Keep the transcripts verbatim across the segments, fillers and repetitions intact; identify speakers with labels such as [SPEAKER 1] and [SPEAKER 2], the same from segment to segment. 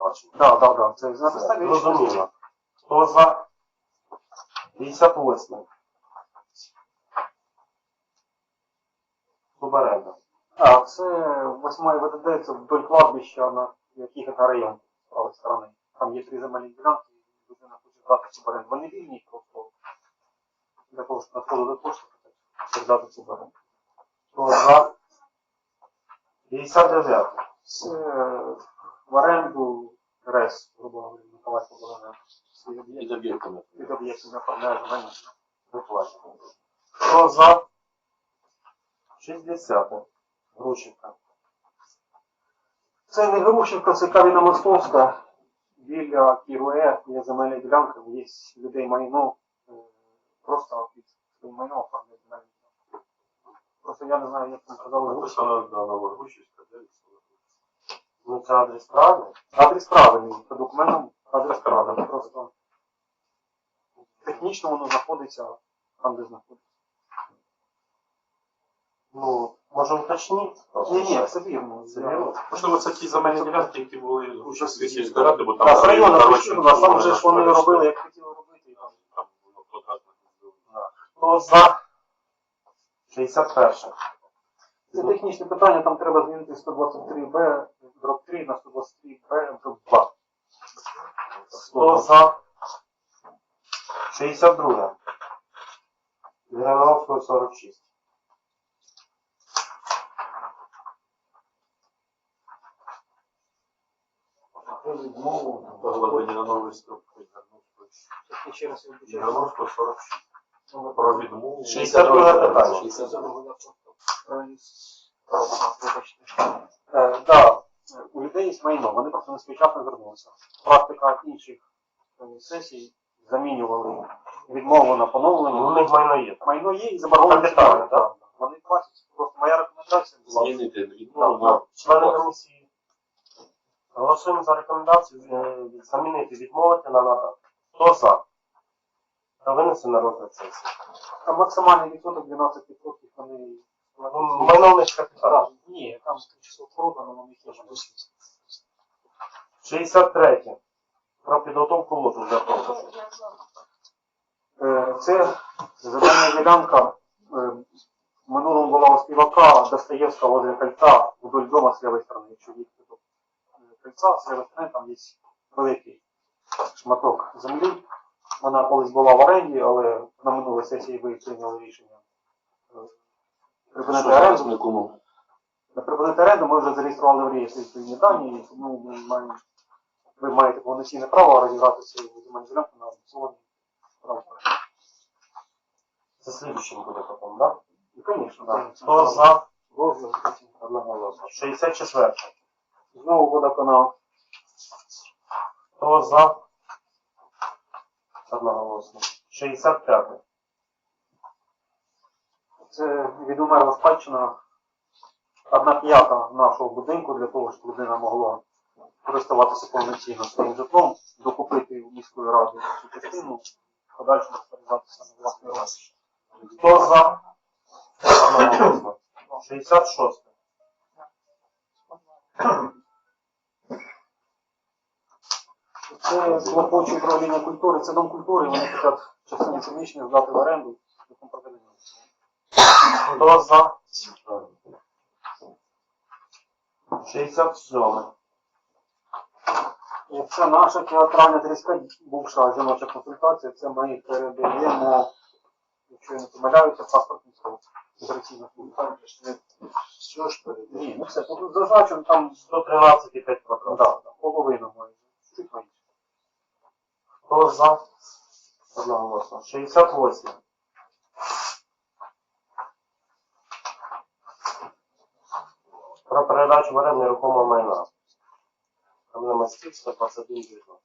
[SPEAKER 1] спадщини.
[SPEAKER 2] Так, так, так. Це на підставі рішення.
[SPEAKER 1] Зрозуміло. Хто за? п'ятдесят восьмий. Суборенда.
[SPEAKER 2] А, це восьмий ВДД, це вдоль кладбища, на яких це район з правої сторони. Там є три земельні ділянки, і людина хоче здати суборенду. Вони вільні просто для того, щоб надходили кошти, передати суборенду.
[SPEAKER 1] Хто за? п'ятдесят дев'ятий.
[SPEAKER 2] Це в оренду РЕС, грубо говоря, Миколаївська оборона.
[SPEAKER 3] Під об'єктами.
[SPEAKER 2] Під об'єктами оформляє земельні.
[SPEAKER 1] Виплачено. Хто за? шістдесятий. Грушівка.
[SPEAKER 2] Це не Грушівка, це Каліна Московська. Біля Кіруе є земельна ділянка, є людей майно. е, Просто під своїм майно оформляє земельні ділянки. Просто я не знаю, як там казали Грушівка.
[SPEAKER 3] Написано на Новогрущівська, де
[SPEAKER 1] Ну це адрес правильний.
[SPEAKER 2] Адрес правильний, по документам адрес правильний. Просто технічно воно знаходиться там, де знаходиться.
[SPEAKER 1] Ну, може уточнити?
[SPEAKER 2] Ні, ні, це вірно.
[SPEAKER 1] Це вірно.
[SPEAKER 3] Можливо, це ті земельні ділянки, які були у Грушівській сільській раді, бо там...
[SPEAKER 2] Так, з району
[SPEAKER 3] коротше,
[SPEAKER 2] прийшли, а там же ж вони
[SPEAKER 3] коротше,
[SPEAKER 2] робили, як хотіли робити. І там.
[SPEAKER 3] там було квадратне.
[SPEAKER 1] Хто за? шістдесят перший.
[SPEAKER 2] Це технічне питання, там треба змінити сто двадцять три Б, дроб три на сто двадцять три Б, дроб два.
[SPEAKER 1] Хто за? шістдесят другий. Грановського сорок шість.
[SPEAKER 3] Поглиблення на новий струк.
[SPEAKER 2] Це ще раз я вибачаю.
[SPEAKER 3] Грановського сорок шість. Про відмову.
[SPEAKER 1] шістдесят друге питання.
[SPEAKER 2] Е, да, у людей є майно, вони просто не своєчасно звернулися. Практика інших е, сесій замінювали відмову на поновлення.
[SPEAKER 1] У них майно є.
[SPEAKER 2] Майно є і заборгованість.
[SPEAKER 1] Капітальне,
[SPEAKER 2] так.
[SPEAKER 1] так.
[SPEAKER 2] Вони платять. Просто моя рекомендація була.
[SPEAKER 3] Змінити
[SPEAKER 1] Ну,
[SPEAKER 3] відмову
[SPEAKER 1] да.
[SPEAKER 3] на...
[SPEAKER 1] Члени комісії. Голосуємо за рекомендацію е, замінити, відмовити на надати. Хто за? Та винесе на розгляд сесії.
[SPEAKER 2] Там максимальний відсоток дванадцять відсотків вони...
[SPEAKER 1] Ну, майно в них капітал.
[SPEAKER 2] Так, ні, там число продано, але них є можливість.
[SPEAKER 1] шістдесят третє. Про підготовку лоту для продажу.
[SPEAKER 2] Е, Це земельна ділянка. е, В минулому була у співака Достоєвська возле кольця вдоль дома з лівої сторони. Якщо їхати до е, кольця, з лівої сторони там є великий шматок землі. Вона колись була в оренді, але на минулій сесії ви прийняли рішення е, припинити оренду.
[SPEAKER 3] Кому?
[SPEAKER 2] На припинити оренду ми вже зареєстрували в реєстрі відповідні дані, і тому ми маємо, ви маєте повноцінне право розібрати свою земельну ділянку на аукціоні.
[SPEAKER 1] Це слідчим буде потім, так?
[SPEAKER 2] І, звісно, да.
[SPEAKER 1] Хто за?
[SPEAKER 2] Розгляд, потім.
[SPEAKER 1] Одноголосно. шістдесят четвертий.
[SPEAKER 2] Знову водоканал.
[SPEAKER 1] Хто за? Одноголосно. шістдесят п'ятий.
[SPEAKER 2] Це відумерла спадщина. Одна п'ята нашого будинку для того, щоб людина могла користуватися повноцінно своїм житлом, докупити у міської ради цю частину, в подальшому розпоряджатися на власний розгляд.
[SPEAKER 1] Хто за? Одноголосно. шістдесят шостий.
[SPEAKER 2] Це клопоче управління культури, це дом культури, вони хочуть частину приміщення здати в оренду.
[SPEAKER 1] Хто за? шістдесят сьомий.
[SPEAKER 2] Це наша театральна тридцять п'ять, бувша жіноча консультація, це ми передаємо, якщо я не помиляюся, паспортний стол. Операційна служба.
[SPEAKER 3] Що ж перед?
[SPEAKER 2] Ні, ну все, тут зазначено там
[SPEAKER 1] сто тринадцять і п'ять квадратів.
[SPEAKER 2] да, да, половина майже. Чуть менше.
[SPEAKER 1] Хто за? Одноголосно. шістдесят восьмий. Про передачу в оренду нерухомого майна. Там на мостів сто двадцять один дев'ятнадцять.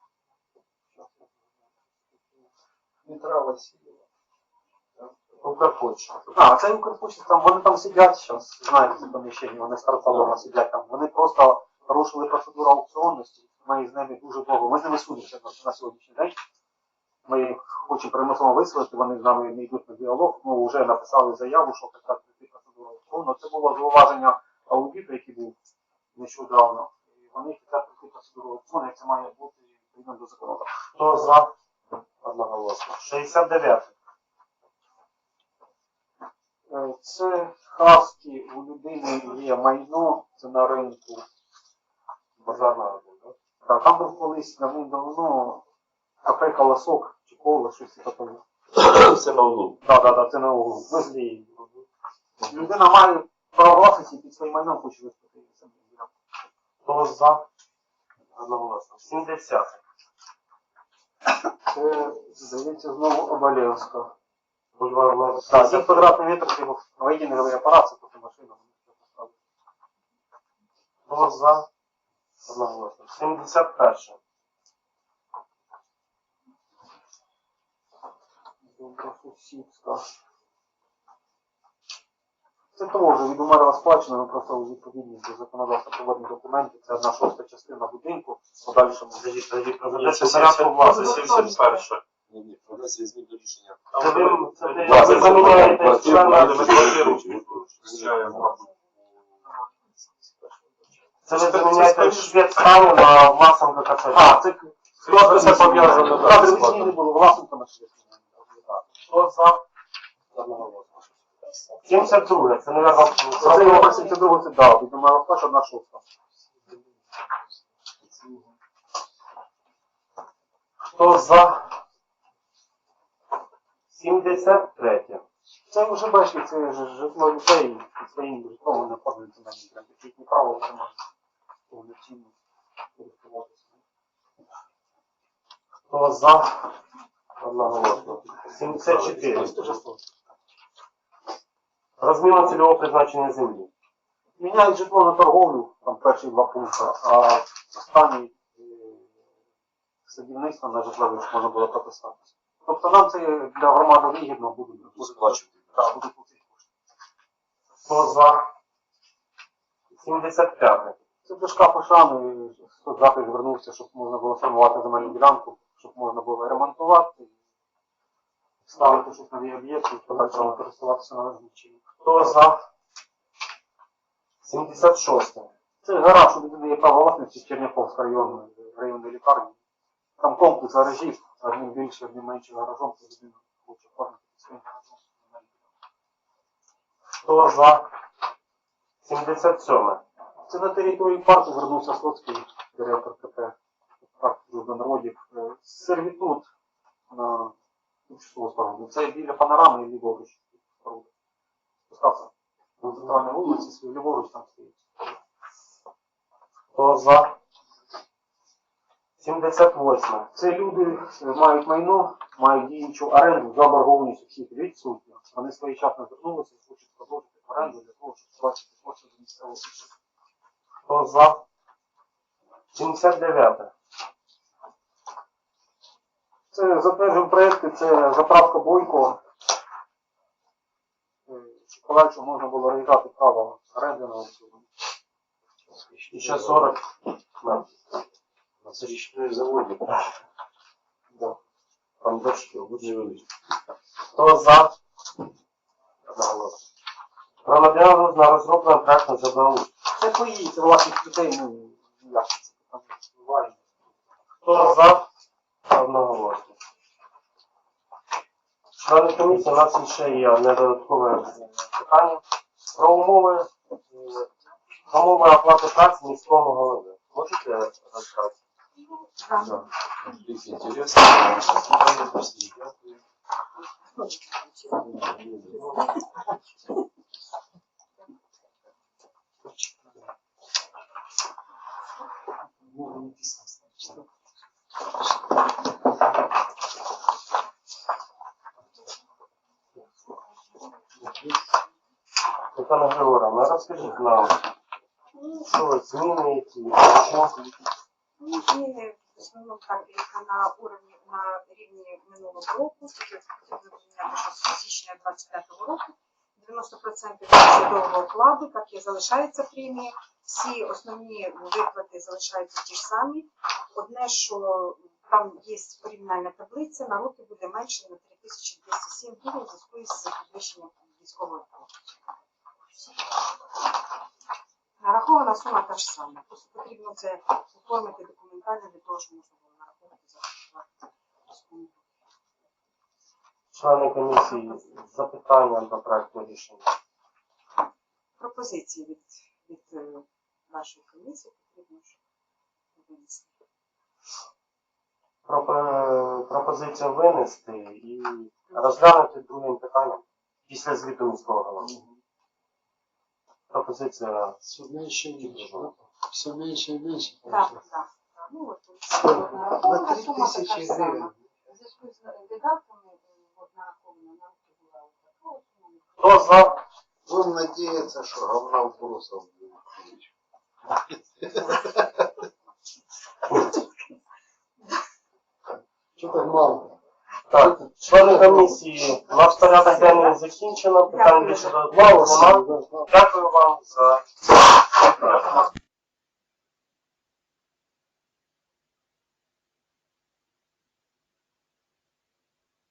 [SPEAKER 2] Дмитра Васильєва.
[SPEAKER 1] Укрпочта.
[SPEAKER 2] А, це Укрпочта, там вони там сидять зараз, знаєте, це поміщення, вони старцалома сидять там. Вони просто порушили процедуру аукціонності. Ми з ними дуже довго. Ми з ними судимося на, на сьогоднішній день. Ми їх хочемо примусово виселити, вони з нами не йдуть на діалог. Ми вже написали заяву, що прекратити процедуру аукціону. Це було зауваження аудиту, який був нещодавно. І по них і це пройти процедуру аукціону, як це має бути відповідно до законодавства.
[SPEAKER 1] Хто за? Одноголосно. шістдесят дев'яте.
[SPEAKER 2] Е, Це хаски, у людини є майно, це на ринку.
[SPEAKER 1] Базарна один, так?
[SPEAKER 2] Так, там був колись давним-давно кафе «Колосок» чи «Коло», щось таке.
[SPEAKER 3] Це на углу.
[SPEAKER 2] Так, так, так, це на углу. Везлі. Людина має право власності під своїм майном, хоче виступити.
[SPEAKER 1] Хто за? Одноголосно. сімдесят.
[SPEAKER 2] Це, здається, знову Оболєвська.
[SPEAKER 1] Бульвар номер
[SPEAKER 2] Так, один
[SPEAKER 1] п'ятдесят.
[SPEAKER 2] квадратний метр, це його воєнний апарат, це просто машина.
[SPEAKER 1] Хто за? Одноголосно. сімдесят перше.
[SPEAKER 2] Добросусідська. Це теж від умерла спадщина, ми просто у відповідність до законодавства проводних документів. Це одна шоста частина будинку, в подальшому.
[SPEAKER 1] Подождіть, подождіть, про
[SPEAKER 3] Ні, це
[SPEAKER 1] це порядку власності.
[SPEAKER 3] сімдесят перше.
[SPEAKER 4] Ні, ні, про внесення змін до рішення.
[SPEAKER 1] Це ви, це ви
[SPEAKER 4] Власне,
[SPEAKER 1] заміняєте
[SPEAKER 4] квартиру,
[SPEAKER 1] члена.
[SPEAKER 4] але ми
[SPEAKER 3] квартиру включаємо.
[SPEAKER 1] Це ви заміняєте швед стану на Власенка КЦ.
[SPEAKER 2] А, це
[SPEAKER 1] Просто це пов'язано.
[SPEAKER 2] кадрові зміни були власниками.
[SPEAKER 1] Хто за? Одноголосно. сімдесят друге. Це, мабуть,
[SPEAKER 2] Це його сімдесят другого це дав, від умерла спадщина одна шоста.
[SPEAKER 1] хто за? сімдесят третє.
[SPEAKER 2] Це вже бачите, це ж житло людей, під своїм житлом вони оформлюються на них. Їхні право вже можуть повноцінно користуватися.
[SPEAKER 1] Хто за? Одноголосно. сімдесят чотири. Розміна цільового призначення землі.
[SPEAKER 2] Міняють житло на торговлю, там перші два пункти, а останній е, садівництво на житлове ж можна було прописатися. Тобто нам це для громади вигідно буде.
[SPEAKER 4] Сплачувати.
[SPEAKER 2] Так, буде платити кошти.
[SPEAKER 1] Хто за? сімдесят п'яте.
[SPEAKER 2] Це до шкафу шани, соцзахист звернувся, щоб можна було формувати земельну ділянку, щоб можна було ремонтувати, ставити щось нові об'єкти, і подальшому користуватися належним чином.
[SPEAKER 1] Хто за? сімдесят шосте.
[SPEAKER 2] Це гараж, у людини є право власності Черняховська районної районної лікарні. Там комплекс гаражів, одним більше, одним менше гаражом, то людина хоче оформити своїм гаражом.
[SPEAKER 1] Хто за? сімдесят сьоме.
[SPEAKER 2] Це на території парку звернувся Слоцький, директор КП парку «Дружби народів». Е, Сервітут на тимчасову споруду. Це біля панорами і ліворуч споруди. Спускався на центральній вулиці, свій ліворуч там стоїть.
[SPEAKER 1] Хто за? сімдесят восьме.
[SPEAKER 2] Це люди е, мають майно, мають діючу оренду, заборгованість усіх відсутня. Вони своєчасно звернулися і хочуть продовжити оренду для того, щоб сплачувати кошти до місцевого бюджету.
[SPEAKER 1] Хто за? сімдесят дев'яте.
[SPEAKER 2] Це затверджуємо проєкти, це заправка Бойко. Е, щоб подальше можна було реалізувати право оренди на аукціоні.
[SPEAKER 1] тисяча сорок. На.
[SPEAKER 4] На це річної заводі.
[SPEAKER 1] Да.
[SPEAKER 4] Там дошки, лучше величі.
[SPEAKER 1] Хто за? Одноголосно. Про надання на розроблення проекту ЖБУ.
[SPEAKER 2] Це пої, це власних людей, ну, як це там буває.
[SPEAKER 1] Хто за? Одноголосно. Члени комісії, у нас ще є одне додаткове питання. Про умови, е, умови оплати праці міського голови. Можете розказати?
[SPEAKER 4] Да. Дивіться, інтересно. Питання всі. Дякую.
[SPEAKER 1] Світлана Григорівна, розкажіть нам, що зміни, які, що?
[SPEAKER 5] Ну, зміни в основному так як на уровні на рівні минулого року, таке потрібно прийняти, що з січня двадцять п'ятого року дев'яносто відсотків судового окладу, як і залишається премія, всі основні виплати залишаються ті ж самі. Одне, що там є порівняльна таблиця, на роки буде менше на три тисячі двісті сім гривень в зв'язку з підвищенням військового окладу. Нарахована сума та ж сама. Просто потрібно це оформити документально для того, щоб можна було нараховувати за суму.
[SPEAKER 1] Члени комісії з запитанням до проекту рішення.
[SPEAKER 5] Пропозиції від, від е, нашої комісії потрібно ж винести.
[SPEAKER 1] Пропо- Пропозицію винести і розглянути другим питанням після звіту міського голови. Пропозиція
[SPEAKER 6] Все меньше и меньше. да? Все меньше и меньше.
[SPEAKER 5] Так,
[SPEAKER 6] получается.
[SPEAKER 5] так. так. Ну, от,
[SPEAKER 7] На
[SPEAKER 5] нарахована
[SPEAKER 7] три
[SPEAKER 5] сума така
[SPEAKER 7] тисячі
[SPEAKER 5] ж сама.
[SPEAKER 7] гривень.
[SPEAKER 5] В зв'язку з видатками е, от, нарахована нам була от така от сума.
[SPEAKER 1] хто за?
[SPEAKER 7] Будем надеяться, что говна вопросов будет.
[SPEAKER 6] Что так мало?
[SPEAKER 1] Так, члени комісії, наш порядок денний закінчено, питань більше до одного нема. Дякую вам за